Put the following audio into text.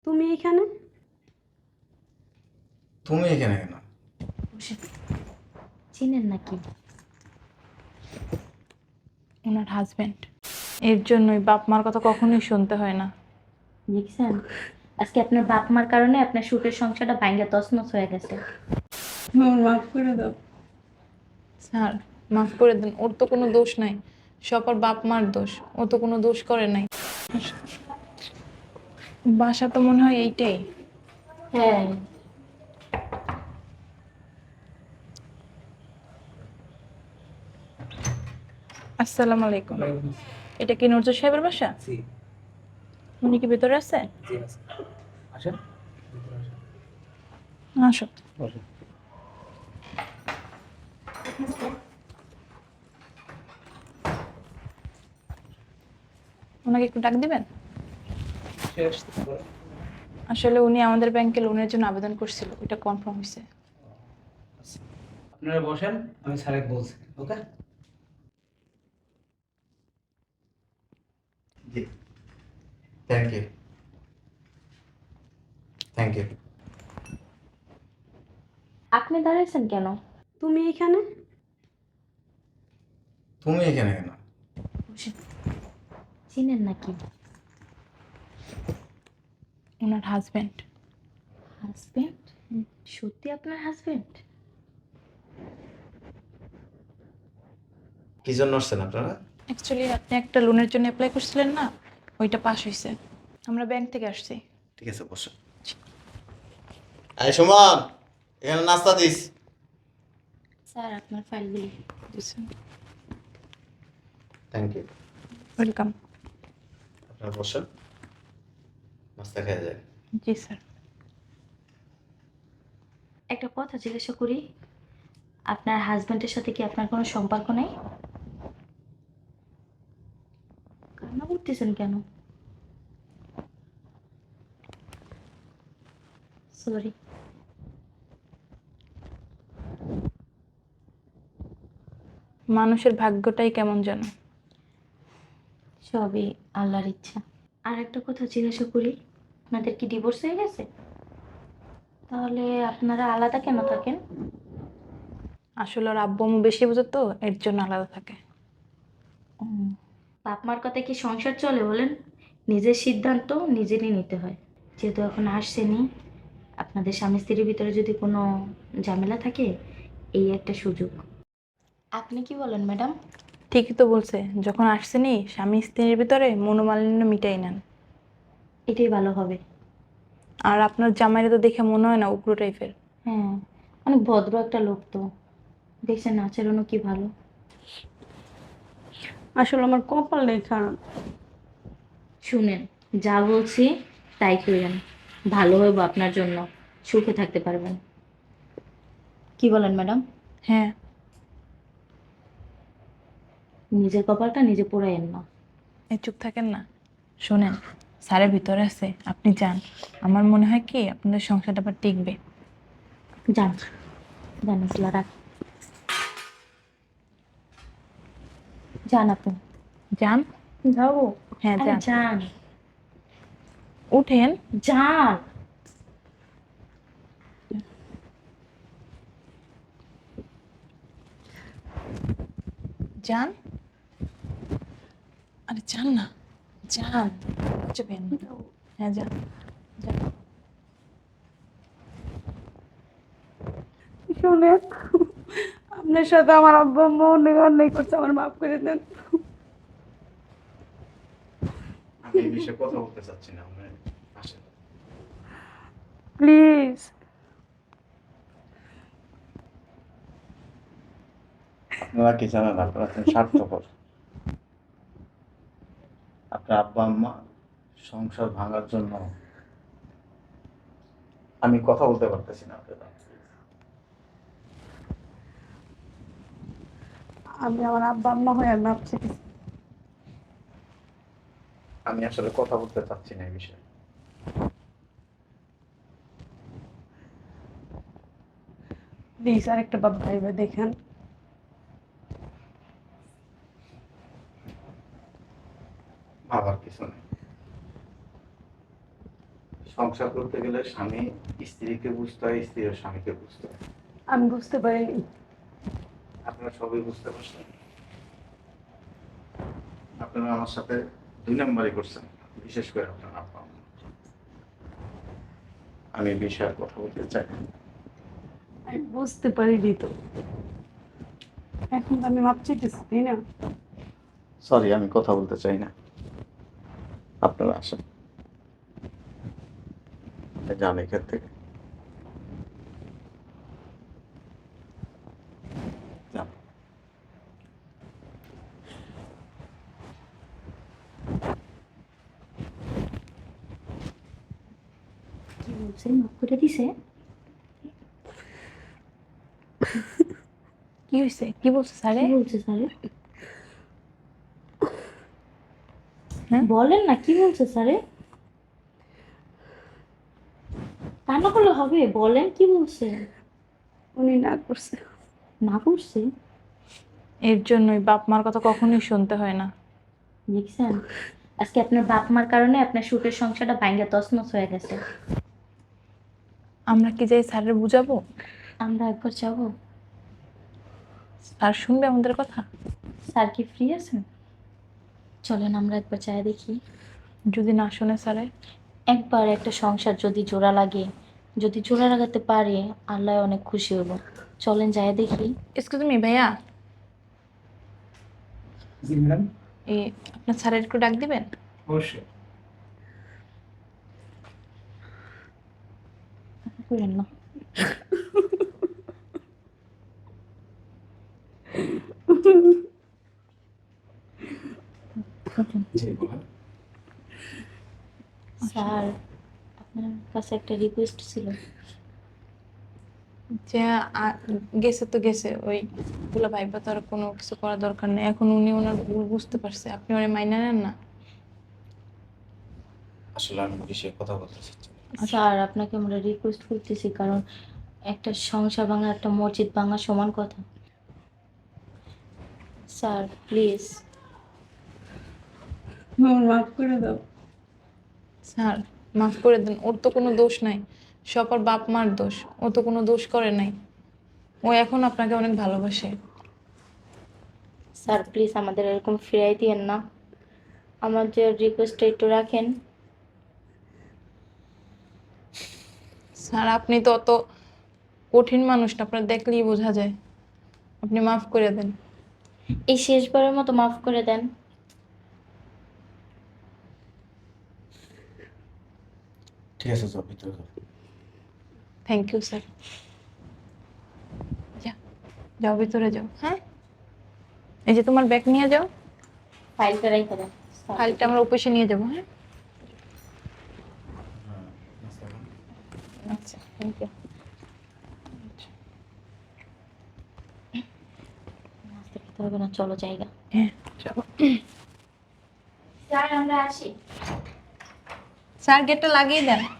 তুমি এখানে? তুমি এখানে কেন? চিনেন নাকি? ওনার হাজবেন্ড। এর জন্যই বাপ মার কথা কখনোই শুনতে হয় না। দেখছেন, আজকে আপনার বাপ মার কারণে আপনার সুখের সংসারটা ভাঙ্গা তছনছ হয়ে গেছে। আমার মাফ করে দাও। স্যার, মাফ করে দেন, ওর তো কোনো দোষ নাই, সব ওর বাপ মার দোষ। ও তো কোনো দোষ করে নাই। বাসা তো মনে হয় এইটাই। হ্যাঁ, আসসালামু আলাইকুম। এটা কি নজরুল সাহেবের বাসা? জি, উনি কি ভেতরে আছে? জি আছে। আসেন। আসো। বসেন। ওনাকে একটু ডাক দিবেন? সে আসতে পারে। আসলে উনি আমাদের ব্যাংকে লোনের জন্য আবেদন করছিল, ওইটা কনফার্ম হয়েছে। আচ্ছা। আপনারা বসেন, আমি স্যারকে বলছি। ওকে? জি, থ্যাংক ইউ। Thank you. আপনি দাঁড়াইছেন কেন? তুমি এখানে? তুমি এখানে কেন? চিনেন নাকি? ওনার হাজবেন্ড। হাজবেন্ড? সত্যি আপনার হাজবেন্ড? কি জন্য আসছেন আপনারা? অ্যাকচুয়ালি আপনি একটা লোনের জন্য অ্যাপ্লাই করছিলেন না, ওইটা পাস হয়েছে। আমরা ব্যাংক থেকে আসছি। ঠিক আছে, বসো। আয় সুমন, এখানে নাস্তা দিস। স্যার, আপনার ফাইলগুলি। Thank you. ওয়েলকাম। আপনারা বসেন, নাস্তা খেয়ে যায়। জি স্যার। একটা কথা জিজ্ঞাসা করি, আপনার হাজবেন্ডের সাথে কি আপনার কোনো সম্পর্ক নাই? কান্না করতেছেন কেন? সরি। মানুষের ভাগ্যটাই কেমন যেন। সবই আল্লাহর ইচ্ছা। আর একটা কথা জিজ্ঞাসা করি, আপনাদের কি ডিভোর্স হয়ে গেছে? তাহলে আপনারা আলাদা কেন থাকেন? আসলে ওর আব্বু আম্মু বেশি বোঝে তো, এর জন্য আলাদা থাকে। বাপ মার কথা কি সংসার চলে বলেন? নিজের সিদ্ধান্ত নিজেরই নিতে হয়। যেহেতু এখন আসছেনি, আপনাদের স্বামী স্ত্রীর ভিতরে যদি কোনো ঝামেলা থাকে, এই একটা সুযোগ। আপনি কি বলেন ম্যাডাম? ঠিকই তো বলছে, যখন আসছেনি স্বামী স্ত্রীর ভিতরে মনোমালিন্য মিটাই নেন। এটাই ভালো হবে। আর আপনার জামাইরা তো দেখে মনে হয় না উগ্র টাইপের। হ্যাঁ, অনেক ভদ্র একটা লোক তো। দেখছেন আচরণও কি ভালো। আসলে আমার কপাল নেই খারাপ। শুনেন, যা বলছি তাই করেন, ভালো হইব আপনার জন্য, সুখে থাকতে পারবেন। কি বলেন ম্যাডাম? হ্যাঁ। নিজের কপালটা নিজে পোড়াইয়েন না। এই চুপ থাকেন না। শোনেন, স্যারের ভিতরে আছে, আপনি যান। আমার মনে হয় কি আপনাদের সংসারটা আবার টিকবে। যান, যান আসলা রাখ, যান আপনি। যান। যাবো? হ্যাঁ আরে যান। যান, উঠেন। যান। যান। আরে যান না, যান। যাবেন। হ্যাঁ যান। যান। শোনেন, আপনার সাথে আমার আব্বা আম্মা অনেক অন্যায় করছে, আমার মাফ করে দেন। আমি এই বিষয়ে কথা বলতে চাচ্ছি না, আপনি আসেন। প্লিজ। আপনারা কি জানেন, আপনারা এখন স্বার্থপর। আপনার আব্বা আম্মা সংসার ভাঙার জন্য আমি কথা বলতে পারতেছি না আপনারা। আমি আমার আব্বা আম্মা হয়ে মাপ চেয়েছি। আমি আসলে কথা বলতে চাচ্ছি না এই বিষয়ে। প্লিজ আরেকটা বাপ ভাইবা দেখেন। ভাবার কিছু নেই। সংসার করতে গেলে স্বামী স্ত্রীকে বুঝতে হয়, স্ত্রীর স্বামীকে বুঝতে হয়। আমি বুঝতে পারিনি। আপনারা সবই বুঝতে পারছেন। আপনারা আমার সাথে 2 নম্বরই করছেন, বিশেষ করে আপনার আব্বা আম্মা। আমি এই বিষয়ে আর কথা বলতে চাই না। আমি বুঝতে পারিনি তো। এখন তো আমি মাপ চাইতেছি, তাই না? সরি, আমি কথা বলতে চাই না। আপনারা আসেন, যান এখান থেকে, যান। কি বলছে, মাফ করে দিছে? কি হয়েছে, কি বলছে স্যারে? কি বলছে স্যারে? হ্যাঁ? বলেন না, কি বলছে স্যারে? কান্না করলে হবে, বলেন কি বলছে। উনি না করছে। না করছে? এর জন্যই বাপ মার কথা কখনোই শুনতে হয় না। দেখছেন, আজকে আপনার বাপ মার কারণে আপনার সুখের সংসারটা ভাঙ্গা তছনছ হয়ে গেছে। আমরা কি যাই স্যারের বুঝাবো? আমরা একবার যাবো? স্যার শুনবে আমাদের কথা? স্যার কি ফ্রি আছেন? চলেন আমরা একবার চাই দেখি। যদি না শুনে স্যারে? একবার একটা সংসার যদি জোড়া লাগে, যদি জোড়া লাগাতে পারে, আল্লাহ অনেক খুশি হবো। চলেন যাই দেখি। এক্সকিউজ মি ভাইয়া, জি ম্যাডাম, এই আপনার স্যারের একটু ডাক দিবেন? অবশ্যই। করেন না। জি বলেন। স্যার, আপনার কাছে একটা রিকোয়েস্ট ছিল। যে গেছে তো গেছে, ওই গুলো ভাইবা তো আর কোনো কিছু করা দরকার নেই। এখন উনি ওনার ভুল বুঝতে পারছে, আপনি ওরে মাইনা নেন না। আসলে আমি বিষয়ে কথা বলতে চাচ্ছি না। স্যার, আপনাকে আমরা রিকোয়েস্ট করতেছি, কারণ একটা সংসার ভাঙা একটা মসজিদ ভাঙা সমান কথা। Sir please. আমার মাফ করে দাও। স্যার মাফ করে দেন, ওর তো কোনো দোষ নাই, সব ওর বাপ মার দোষ। ও তো কোনো দোষ করে নাই, ও এখন আপনাকে অনেক ভালোবাসে। স্যার প্লিজ আমাদের এরকম ফিরাই দিয়েন না, আমাদের রিকোয়েস্টটা একটু রাখেন। স্যার আপনি তো অত কঠিন মানুষ না, আপনার দেখলেই বোঝা যায়। আপনি মাফ করে দেন। এই শেষবারের মতো মাফ করে দেন। ঠিক আছে, যাও ভিতরে যাও। Thank you sir. যাও ভিতরে যাও। হ্যাঁ, এই যে তোমার ব্যাগ নিয়ে যাও, ফাইলটা রেখে দেন। ফাইলটা আমরা অফিসে নিয়ে যাবো। হ্যাঁ, আচ্ছা থ্যাংক ইউ। নাস্তা খেতে হবে না, চলো জায়গা। হ্যাঁ চলো। স্যার আমরা আসি। স্যার গেটটা লাগিয়ে দেন।